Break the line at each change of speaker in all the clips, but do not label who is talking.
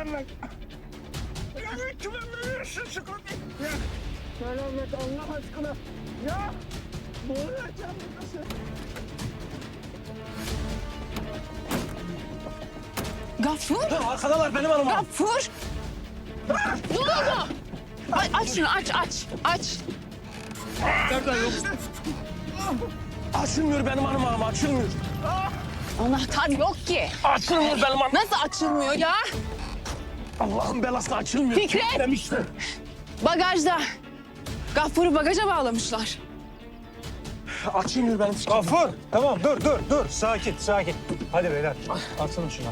Selamet. Ya kime veriyorsun şu kapıyı? Ya Selamet Allah aşkına. Ya boğulacağım nasıl?
Gafur!
Arkadalar benim hanım.
Gafur! Ne oldu? Aç şunu, aç.
Nereden yok? Açılmıyor benim hanım açılmıyor.
Anahtar yok ki.
Açılmıyor benim hanım.
Nasıl açılmıyor ya?
Allah'ın belası açılmıyor.
Fikret!
Demişti.
Bagajda. Gafur'u bagaja bağlamışlar.
Açılmıyor benim.
Gafur! Tamam dur. Sakin. Hadi beyler. Atsana şuna.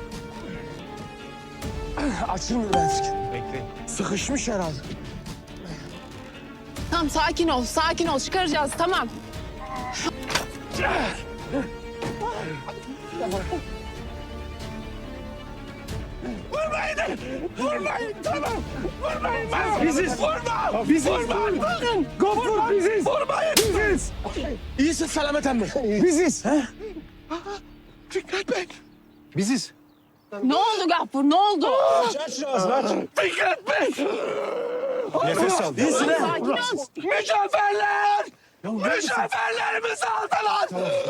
Açılmıyor benim fikir.
Bekleyin.
Sıkışmış herhalde.
Tamam sakin ol. Çıkaracağız tamam.
Vurmayın tamam. Vurmayın.
Biziz.
Vurma.
Biziz.
Vurmayın. Bakın.
Gafur biziz.
Vurmayın.
Biziz.
İyisin Selamet emmi.
Biziz.
Fikret Bey.
Biziz.
Ne oldu Gafur ne oldu?
Aç şu ağzını aç.
Fikret Bey.
Nefes al.
İyisin ha.
Sakin ol.
Mücevherler. Mücevherlerimizi aldılar.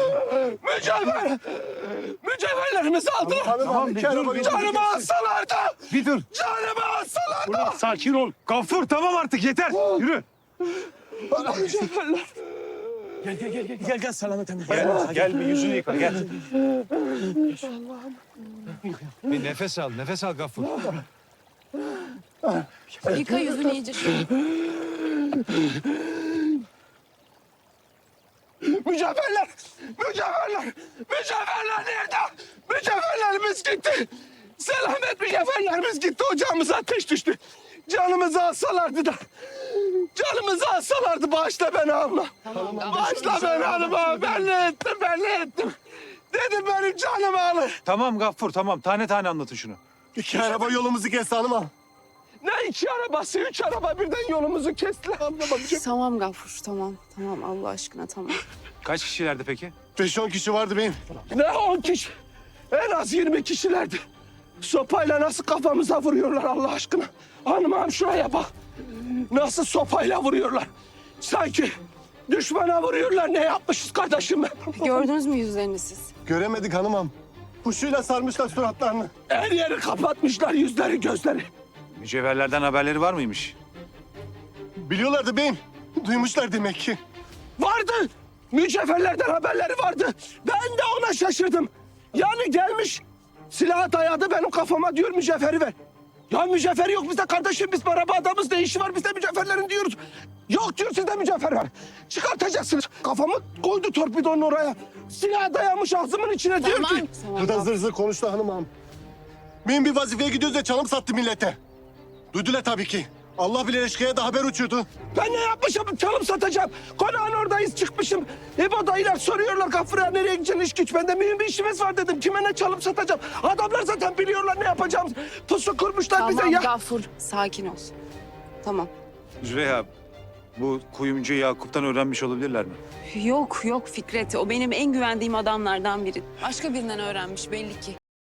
Mücevherlerimizi aldılar.
Tamam, bir dur.
Canımı alsalardı.
Bir dur.
Canımı alsalardı.
Sakin ol. Gafur tamam artık yeter. Yürü.
Mücevherler. Gel Selamet emmi.
Gel bir yüzünü yıka gel. Bir nefes al Gafur.
Yıka yüzünü iyice şöyle.
Mücevherler nerede? Mücevherlerimiz gitti. Selamet mücevherlerimiz gitti. Ocağımıza ateş düştü. Canımızı alsalardı da. Canımızı alsalardı bağışla beni abla. Bağışla beni hanıma. Ben ne ettim? Dedim benim canımı alın.
Tamam Gafur tamam. Tane anlatın şunu.
İki araba yolumuzu kesti hanıma. Ne iki arabası? Üç araba birden yolumuzu kestiler abla.
Tamam Gafur tamam Allah aşkına tamam.
Kaç kişilerdi peki?
5-10 kişi vardı benim. Ne 10 kişi? En az 20 kişilerdi. Sopayla nasıl kafamıza vuruyorlar Allah aşkına. Hanım şuraya bak. Nasıl sopayla vuruyorlar. Sanki düşmana vuruyorlar. Ne yapmışız kardeşim ben?
Gördünüz mü yüzlerini siz?
Göremedik hanımam. Kuşuyla sarmışlar suratlarını. Her yeri kapatmışlar yüzleri gözleri.
Mücevherlerden haberleri var mıymış?
Biliyorlardı beyim. Duymuşlar demek ki. Vardı. Mücevherlerden haberleri vardı. Ben de ona şaşırdım. Yani gelmiş silah dayadı benim kafama diyor mücevheri ver. Ya mücevheri yok bizde kardeşim biz araba adamız ne işi var bizde mücevherlerin diyoruz. Yok diyor sizde mücevher var. Çıkartacaksınız. Kafamı koydu torpidonun oraya. Silah dayamış ağzımın içine diyor
Tamam.
ki.
Tamam.
Burada zır zır konuştu hanımam. Benim bir vazifeye gidiyoruz da çalım sattı millete. Duydular tabii ki. Allah bile eşkıya da haber uçuyordu.
Ben ne yapmışım çalım satacağım. Konağın oradayız çıkmışım. İbo dayılar soruyorlar Gafur'a nereye gideceksin iş güç. Ben de mühim bir işimiz var dedim. Kime ne çalım satacağım. Adamlar zaten biliyorlar ne yapacağımız. Pusu kurmuşlar bize
Tamam
ya.
Gafur sakin ol. Tamam.
Züleyha bu kuyumcu Yakup'tan öğrenmiş olabilirler mi?
Yok Fikret o benim en güvendiğim adamlardan biri. Başka birinden öğrenmiş belli ki.